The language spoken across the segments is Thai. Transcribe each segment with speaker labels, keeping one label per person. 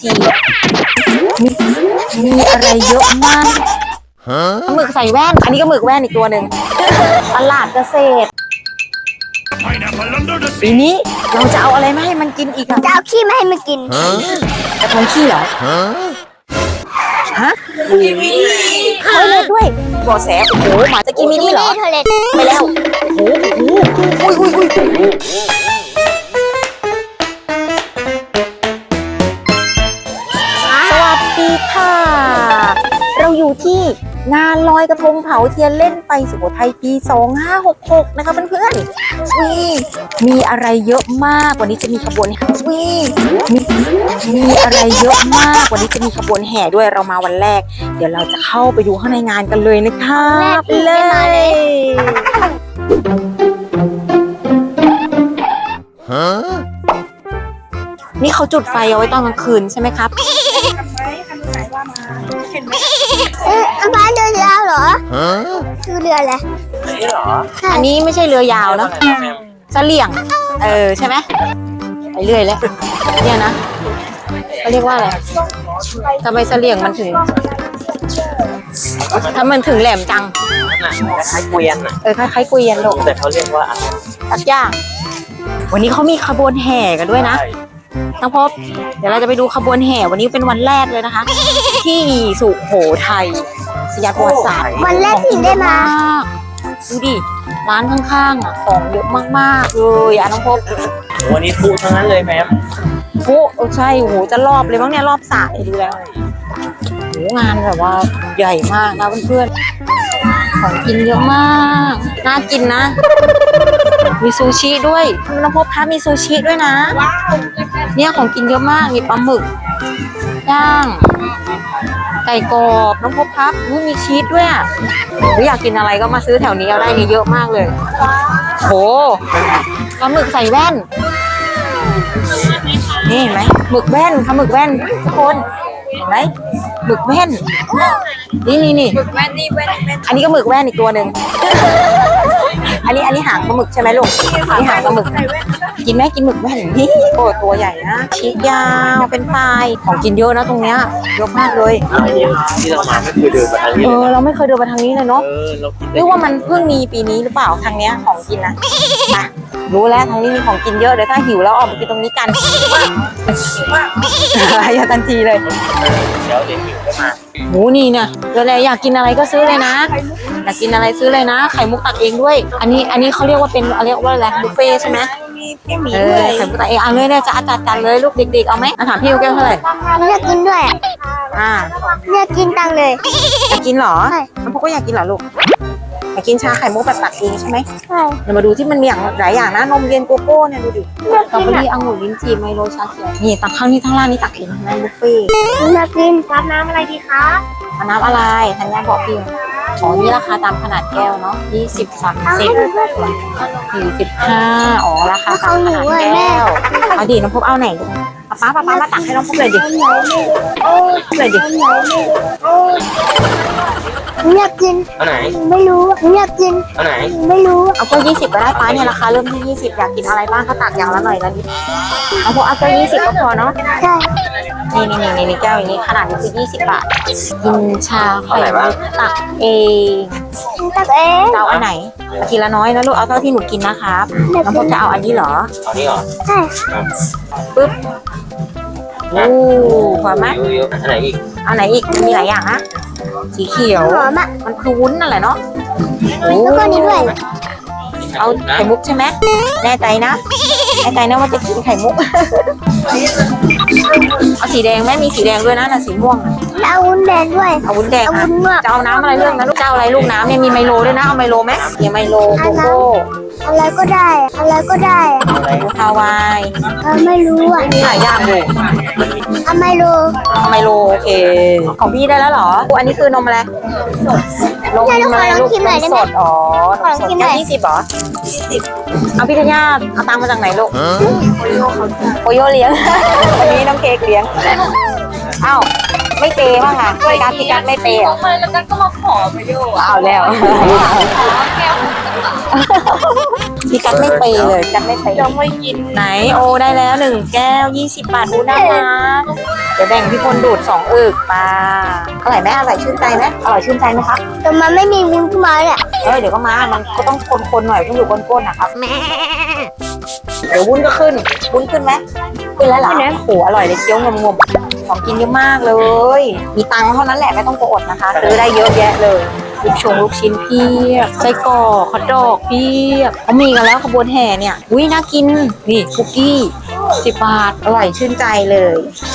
Speaker 1: ทีมีอะไรเยอะมากหมึกใส่แว่นอันนี้ก็หมึกแว่นอีกตัวหนึ่งตลาดเกษตรปีนี้เราจะเอาอะไรมาให้มันกินอีกอะ
Speaker 2: จะเอาขี้ไม่ให้มันกิน
Speaker 1: กระทงขี้เหรอฮะเอาเลยด้วยบ่อแสโอ้โหหมาจะกินมินี่เหรอ
Speaker 2: เทอร์เลต
Speaker 1: ไปแล้วโอ้โหอุ้ยสวัสดีค่ะ เราอยู่ที่งานลอยกระทงเผาเทียนเล่นไปสุโขทัยปี 2566 นะคะเพื่อนๆมีอะไรเยอะมากวันนี้จะมีขบวนมีอะไรเยอะมากวันนี้จะมีขบวนแห่ด้วยเรามาวันแรกเดี๋ยวเราจะเข้าไปดูข้างในงานกันเลยนะคะไปเลยนี่เขาจุดไฟเอาไว้ตอนกลางคืนใช่ไหมครับ
Speaker 2: บ้านเรือยาวเหรอคือเรืออะไร
Speaker 1: อันนี้ไม่ใช่เรือยาวนะเสลี่ยงใช่ไหมไปเรื่อยเลยเนี่ยนะเขาเรียกว่าอะไรทำไมเสลี่ยงมันถึงถ้ามันถึงแหลมจัง
Speaker 3: คล้ายๆเกวียนอ่ะ
Speaker 1: คล้ายๆเกวียนหรอก
Speaker 3: แต่เขาเรียกว่าอะไร
Speaker 1: ตัดย่างวันนี้เขามีขบวนแห่กันด้วยนะน้องพบเดี๋ยวเราจะไปดูขบวนแห่วันนี้เป็นวันแรกเลยนะคะที่สุโขทัยสยามประวัติศาสตร์
Speaker 2: วันแรกที่ได้มา
Speaker 1: ดูดิร้านข้างๆอ่ะของเยอะมากๆเลยน้องพบ
Speaker 3: วันนี้ฟูทั้งนั้นเลยแม่
Speaker 1: โอ้ใช่โหจะรอบเลยมั้งเนี่ยรอบสายดูแล้วโหงานแบบว่าใหญ่มากนะเพื่อนๆของกินเยอะมากน่ากินนะมีซูชิด้วยน้องพบคะมีซูชิด้วยนะเนี่ยของกินเยอะมากมีปลาหมึกย่างไก่กรอบน้องพบครับมีชีสด้วยหรืออยากกินอะไรก็มาซื้อแถวนี้เอาได้เยอะมากเลยโหปลาหมึกใส่แว่นนี่เห็นไหมหมึกแว่นค่ะหมึกแว่นทุกคนเห็นไหมหมึกแว่นนี่หมึกแว่นนี่แว่นอันนี้ก็หมึกแว่นอีกตัวหนึ่งอันนี้หางปลาหมึกใช่ไหมลูกนี่หางปลาหมึกกินไหมกินหมึกแว่นนี่โอ้ตัวใหญ่นะชีสยาวเป็นปลายของกินเยอะนะตรงเนี้ยเยอะมากเลย
Speaker 3: ที่เรามาไม่เคยเดินมาทางนี้
Speaker 1: เราไม่เคยเดินมาทางนี้เลยเนาะหรือว่ามันเพิ่งมีปีนี้หรือเปล่าทางเนี้ยของกินนะมารู้แล้วทางนี้มีของกินเยอะเดี๋ยวถ้าหิวแล้วออกมากินตรงนี้กันอย่าทันทีเลย
Speaker 3: เดี๋ยวหิวก็มา
Speaker 1: หมูนี่เนี่ยเดี๋ยวอยากกินอะไรก็ซื้อเลยนะอยากกินอะไรซื้อเลยนะไข่มุกตักเองด้วยอันนี้เขาเรียกว่าเป็นเรียกว่าอะไรบุฟเฟ่ใช่ไหมไข่มุกตักเองเอาเลยเนี่ยจะจัดเลยลูกเด็กๆเอาไหมถามพี่แก้วเท่าไหร่
Speaker 2: อยากกินด้วยอยากกินตังเลย
Speaker 1: อยากกินเหรอน้องพวกก็อยากกินเหรอลูกอยากกินชาไข่มุกแบบตักเองใช่ไหม
Speaker 2: ใช่
Speaker 1: เดี๋ยวมาดูที่มันมีอย่างหลายอย่างนะนมเย็นโกโก้เนี่ยดูดิสตรอเบอรี่องุ่นลิ้นจี่ไมโลชาเขียวนี่ตักข้างนี้ทั้งล่างนี่ตักเองนะบุฟเฟ่
Speaker 2: อยากกินรับน้ำอะไรดีคะ
Speaker 1: น้ำอะไรธัญญาบอกพี่นี่ราคาตามขนาดแก้วเนาะ20 30 45ราคาตามขนาดแก้วเอาดิน้องพบเอาไหนป้ามาตักให้น้องพบเลยดิเลยดิ
Speaker 2: อยากกิน
Speaker 3: เอาไหน
Speaker 2: ไม่รู้อยากกิน
Speaker 3: เอาไหน
Speaker 2: ไม่รู้
Speaker 1: เอาก็20ก็ได้ป้าเนี่ยราคาเริ่มที่20อยากกินอะไรบ้างเขาตักอย่างละหน่อยละนิดเอาพวกเอาก็20ก็พอเนาะ
Speaker 2: ใช่
Speaker 1: นี่แก้วอย่างนี้ขนาดนี้คือ20 บาทกินชาไข่มุกตักเองเอาอันไหนทีละน้อยนะลูกเอาเท่าที่หนูกินนะครับน้องพบจะเอาอันนี้เหรอ
Speaker 3: เอานี่เหรอ
Speaker 2: ใช่
Speaker 1: ปึ๊บพอไหม
Speaker 3: อันไหนอีก
Speaker 1: เอาไหนอีกมีหลายอย่างนะสีเขียวมันคือวุ้นนั่นแหละเนาะ
Speaker 2: แล้วก็นี้ด้วย
Speaker 1: เอาไข่มุกใช่ไหมแน่ใจนะว่าจะกินไข่มุกเอาสีแดงไหมมีสีแดงด้วยนะสีม่วง
Speaker 2: เอาวุ้นแดงด้วย
Speaker 1: เอาวุ้นแดงจะเอาน้ำอะไรเรื่องนะลูกเจ้าอะไรลูกน้ำเนี่ยมีไมโลด้วยนะเอาไมโลไหมมีไมโลโกโก้
Speaker 2: อะไรก็ได้
Speaker 1: อะไรฮาวาย
Speaker 2: ไม่รู้
Speaker 1: มีหลายอย่างเลย
Speaker 2: ไมโล
Speaker 1: โอเคของพี่ได้แล้วเหรออันนี้คือนมอะไรนมอะไรลูกนมสดสดแค่20หรอเอาพี่ธัญญาเอาตังค์มาจากไหนลูกโอโยเลี้ยงวันนี้น้องเค้กเลี้ยงเอ้าไม่เปย์บ้างค่ะพี่กัดไม่เปย์อ่ะ
Speaker 4: แล้วก็มาขอไปโย
Speaker 1: เอาแล้วพี่กัดไม่เปย์เลยกัดไม่เปย์ยังไม่กินไหนโอได้แล้ว1 แก้ว 20 บาทดูน่ารักเดี๋ยวแบ่งพี่พลดูด2 อึกมาอร่อยไหมอร่อยชื่นใจไหมอร่อยชื่นใจไหมครับ
Speaker 2: แต่มันไม่มีวุ้นขึ้นมาเนี่ย
Speaker 1: เดี๋ยวก็มามันก็ต้องคนๆหน่อยต้องอยู่ก้นๆนะครับเดี๋ยววุ้นก็ขึ้นวุ้นขึ้นไหมขึ้นแล้วเหรอโอ้โหอร่อยเลยเคี้ยวงมๆของกินเยอะมากเลย มีตังค์เท่านั้นแหละไม่ต้องกลัวอดนะคะซื้อได้เยอะแยะเลยลูกชิ้นเพียบไส้กรอกฮอทดอกเพียบเขามีกันแล้วขบวนแห่เนี่ยอุ้ยน่ากินนี่คุกกี้10 บาทอร่อยชื่นใจเลย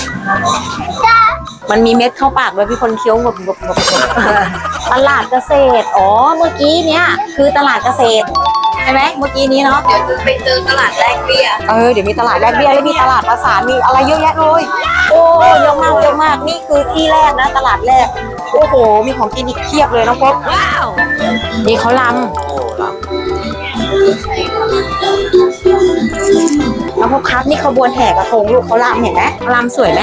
Speaker 1: มันมีเม็ดเข้าปากด้วยพี่คนเคี้ยวงบตลาดเกษตรอ๋อเมื่อกี้เนี้ยคือตลาดเกษตรใช่ไหมเมื่อกี้นี้เนาะเดี๋ยวจะไปเจอตลาดแลกเบี้ยเดี๋ยวมีตลาดแลกเบี้ยแล้วมีตลาดประสานมีอะไรเยอะแยะเลยโอ้เยอะมากนี่คือที่แรกนะตลาดแรกโอ้โหมีของกินอีกเพียบเลยน้องพบว้าวนี่เขาลำน้องพบครับนี่ขบวนแห่กระทงลูกเขาลำเห็นไหมลำสวยไหม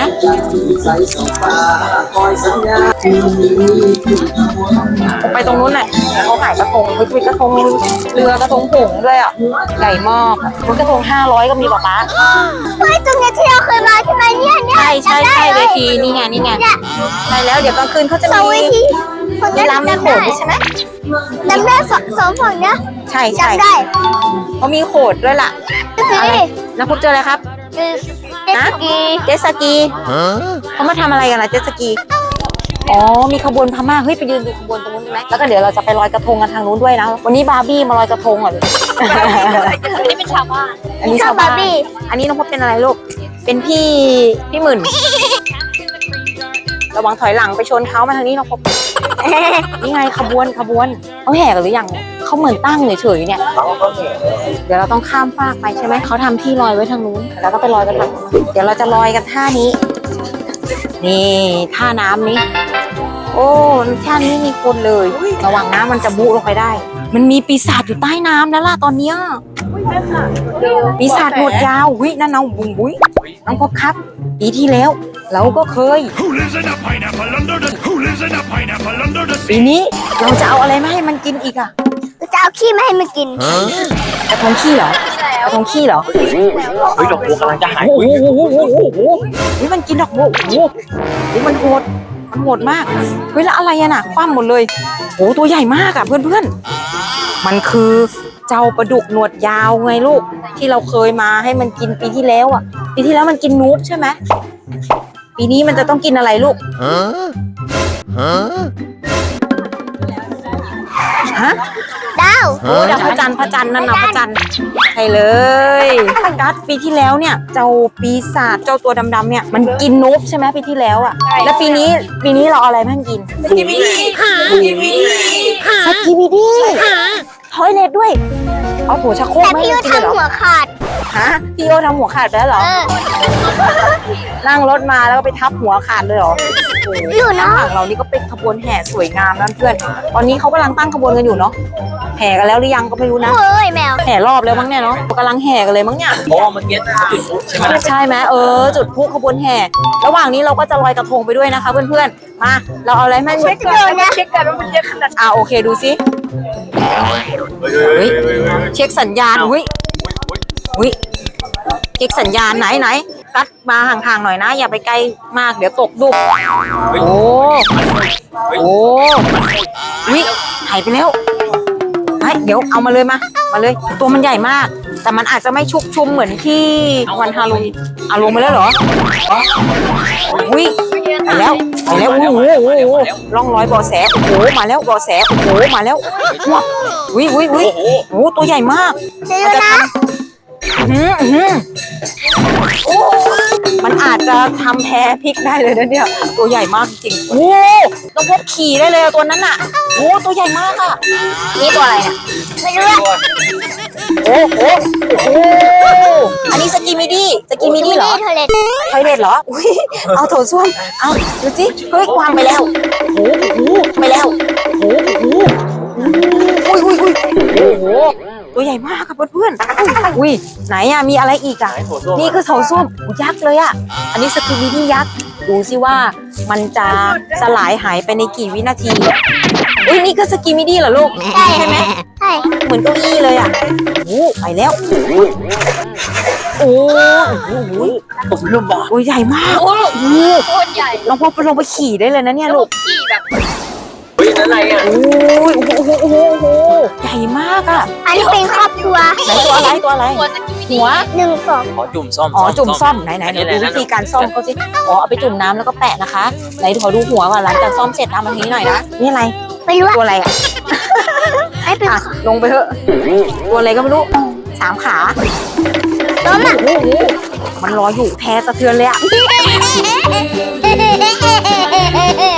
Speaker 1: ไปตรงนู้นน่ะเขาขายกระทงมีกระทงเรือกระทงผงด้วยอ่ะใหญ่มากรถกระทง500ก็มีป๊า
Speaker 2: เฮ้ยตรงนี้ที่เราเคยมาใช่ไหมเนี่ย
Speaker 1: ใช่เวทีนี่ไงใช่แล้วเดี๋ยวกลางคืนเขาจะ
Speaker 2: สองเว
Speaker 1: มี
Speaker 2: ทีคน
Speaker 1: มี
Speaker 2: นั้น
Speaker 1: ลำมีโขนใช่ไหม
Speaker 2: จำได้สองฝั่งเนี้ย
Speaker 1: ใช่
Speaker 2: จำได้
Speaker 1: เขามีโขดด้วยล่ะ
Speaker 2: คือ
Speaker 1: อะไรแล้วพบเจออะไรครับ
Speaker 2: คือเจตสกี
Speaker 1: เขามาทำอะไรกันล่ะเจ็ตสกีอ๋อมีขบวนพม่าเฮ้ยไปยืนดูขบวนตรงนู้นได้ไหมแล้วก็เดี๋ยวเราจะไปลอยกระทงกันทางนู้นด้วยนะวันนี้บาร์บี้มาลอยกระทงเหรออันนี้เป็นชาวบ้านอันนี้ชาวบ้านอันนี้น้องพบเป็นอะไรลูกเป็นพี่หมื่นระวังถอยหลังไปชนเขามาทางนี้น้องพบนี่ไงขบวนเขาแห่กันหรือยังเขาเหมือนตั้งเฉยๆเนี่ยเดี๋ยวเราต้องข้ามฟากไปใช่ไหมเขาทำที่ลอยไว้ทางนู้นแล้วก็ไปลอยกันทางนู้นเดี๋ยวเราจะลอยกันท่านี้นี่ท่าน้ำนี้โอ้ท่านี้มีคนเลยระวังน้ำมันจะบุลงไปได้มันมีปีศาจอยู่ใต้น้ำแล้วล่ะตอนเนี้ยปีศาจหนวดยาวหุ้ยนั่นน้องบุ้งบุ้ยน้องพบครับปีที่แล้วเราก็เคย
Speaker 4: Who lives in a pineapple under the Who lives in a pineapple under the
Speaker 1: ปีนี้เราจะเอาอะไรมาให้มันกินอีกอะ
Speaker 2: จะเอาขี้มาให้มันกิน
Speaker 1: กระทงขี้เหรอกระทงขี้เหรอ
Speaker 3: เฮ้ยดอกบัวกำลังจะหาย
Speaker 1: โอ้โหนี่มันกินดอกบัวโอ้โหนี่มันโหดมากเฮ้ยแล้วอะไรอะน่ะคว่ำหมดเลยโอ้ตัวใหญ่มากอะเพื่อนๆมันคือเจ้าปลาดุกหนวดยาวไงลูกที่เราเคยมาให้มันกินปีที่แล้วอะปีที่แล้วมันกินนูบใช่ไหมปีนี้มันจะต้องกินอะไรลูกฮะ
Speaker 2: ดาว
Speaker 1: โอ้ดาวพระจันทร์นั่นนะพระจันทร์ใช่เลยกัสปีที่แล้วเนี่ยเจ้าปีศาจเจ้าตัวดำๆเนี่ยมันกินนูบใช่ไหมปีที่แล้วอ่ะแล้วปีนี้เราเอาอะไรมาให้กินสกีบิดี้ทอยเล็ตด้วยเอาถั่วชักโครก
Speaker 2: แต่
Speaker 1: ไม่
Speaker 2: พี่
Speaker 1: ให้
Speaker 2: ยู
Speaker 1: กินเลยเหรอ
Speaker 2: ทำหัวขาด
Speaker 1: ฮะพี่โอทำหัวขาดไปแล้วเหรอนั่งรถมาแล้วก็ไปทับหัวขาดเลยเหรอโอ้โห
Speaker 2: อยู่เนาะ
Speaker 1: ข้างหลังเรานี่ก็เป็นขบวนแห่สวยงามนะเพื่อนตอนนี้เขากำลังตั้งขบวนกันอยู่เนาะแห่กันแล้วหรือยังก็ไม่รู้นะ
Speaker 2: เฮ้ยแมว
Speaker 1: แห่รอบแล้วมั้งเนี่ยเนาะกำลังแห่กันเลยมั้งเนี่ย
Speaker 3: เพราะว่าเมื่อกี้จุดพลุใช่ไหมล่ะ
Speaker 1: ใช่ไหมจุดพลุขบวนแห่ระหว่างนี้เราก็จะลอยกระทงไปด้วยนะคะเพื่อนๆมาเราเอาอะไรมา
Speaker 2: เช็คกันนะเช็คกันว่ามันเยอะขนาด
Speaker 1: โอเคดูสิเฮ้ยเช็คสัญญาณอุ้ยเช็คสัญญาณไหนกัดมาห่างๆหน่อยนะอย่าไปใกล้มากเดี๋ยวตกดุโอ้วิหายไปแล้วเดี๋ยวเอามาเลยมาเลยตัวมันใหญ่มากแต่มันอาจจะไม่ชุกชุมเหมือนที่วันฮาโลวีนลงมาแล้วเหรอวิไปแล้วโอ้โหร่องรอยบ่อแสโอ้โหมาแล้วบ่อแสโอ้โหมาแล้ววิโอ้ตัวใหญ่มาก
Speaker 2: เดี๋ยวนะ
Speaker 1: มันอาจจะทำแพ้พริกได้เลยนะเนี่ยตัวใหญ่มากจริงโอ้ต้องพบขี่ได้เลยตัวนั้นอ่ะโอ้ตัวใหญ่มากอ่ะนี่ตัวอะไรเนี่ย
Speaker 2: ไม่รู้ว่า
Speaker 1: โอ้อันนี้สกีมิดี้เหรอ
Speaker 2: เทเลต
Speaker 1: ไทยเด็ดเหรออุ้ยเอาโถส้วมเอาดูสิเฮ้ยวางไปแล้วโอ้โหไปแล้วโอ้โหตัวใหญ่มากครับเพื่อนๆอุ้ยไหนอะมีอะไรอีกอะนี่คือโถส้วมยักษ์เลยอะอันนี้สกีมิดี้ยักษ์ดูสิว่ามันจะสลายหายไปในกี่วินาทีนี่ก็สกีมิดี้เหรอลูกใช่ไหม
Speaker 2: ใช่
Speaker 1: เหมือนเก้าอี้เลยอ่ะโอ้ไปแล้วโอ้โห
Speaker 3: ผมลืมบอก
Speaker 1: โอ้ยใหญ่มากโอ้โห
Speaker 2: โคตรใหญ่
Speaker 1: ลองลงไปขี่ได้เลยนะเนี่ยลูก
Speaker 2: ขี่แบบ
Speaker 3: เฮ้ยนั่นอะไรอ่ะ
Speaker 1: โอ้ยโอ้โหโอ้โหโอ้โหใหญ่มากอ่ะ
Speaker 2: อันนี้เป็นครอบครัว
Speaker 1: ไหนตัวอะไรตัวอะไร
Speaker 2: หัวสกิมิ
Speaker 1: หัว
Speaker 2: 1 2
Speaker 3: ขอจุ่มซ่อม
Speaker 1: อ๋อจุ่มซ่อมไหนเดี๋ยวดูวิธีการซ่อมเขาสิอ๋อเอาไปจุ่มน้ำแล้วก็แปะนะคะไหนขอดูหัวก่อนหลังจากซ่อมเสร็จทำแบบนี้หน่อยนะนี่อะไร
Speaker 2: ไม่รู้
Speaker 1: ตัวอะไรอ่ะ
Speaker 2: ไอ้เป็น
Speaker 1: อ่ะลงไปเถอะตัวอะไรก็ไม่รู้3 ขา
Speaker 2: ล้มอ่ะ
Speaker 1: โอ้โหมันลอยอยู่แพ้สะเทือนเลยอ่ะ